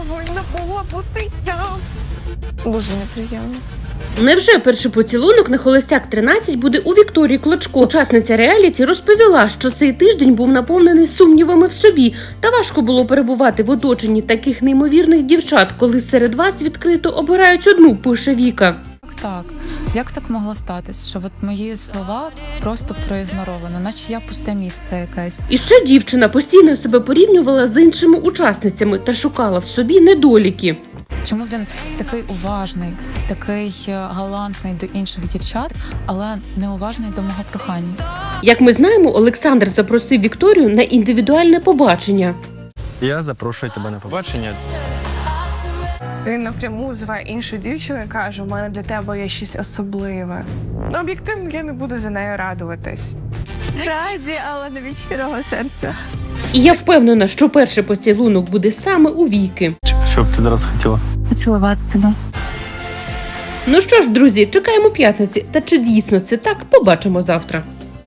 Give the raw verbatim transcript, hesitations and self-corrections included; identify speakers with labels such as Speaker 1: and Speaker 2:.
Speaker 1: повинна була бути я. Дуже неприємно.
Speaker 2: Невже перший поцілунок на Холостяк тринадцять буде у Вікторії Клочко? Учасниця реаліті розповіла, що цей тиждень був наповнений сумнівами в собі, та важко було перебувати в оточенні таких неймовірних дівчат, коли серед вас відкрито обирають одну, пише Віка.
Speaker 3: Так, як так могло статись, що от мої слова просто проігноровано, наче я пусте місце якесь.
Speaker 2: І ще дівчина постійно себе порівнювала з іншими учасницями та шукала в собі недоліки.
Speaker 3: Чому він такий уважний, такий галантний до інших дівчат, але неуважний до мого прохання?
Speaker 2: Як ми знаємо, Олександр запросив Вікторію на індивідуальне побачення.
Speaker 4: Я запрошую тебе на побачення.
Speaker 1: Він напряму зве іншу дівчину і каже, у мене для тебе є щось особливе. Ну, об'єктивно, я не буду за нею радуватись. Раді, але не від щирого серця.
Speaker 2: І я впевнена, що перший поцілунок буде саме у Віки.
Speaker 4: Що б ти зараз хотіла?
Speaker 3: Поцілувати тебе.
Speaker 2: Ну що ж, друзі, чекаємо п'ятниці. Та чи дійсно це так, побачимо завтра.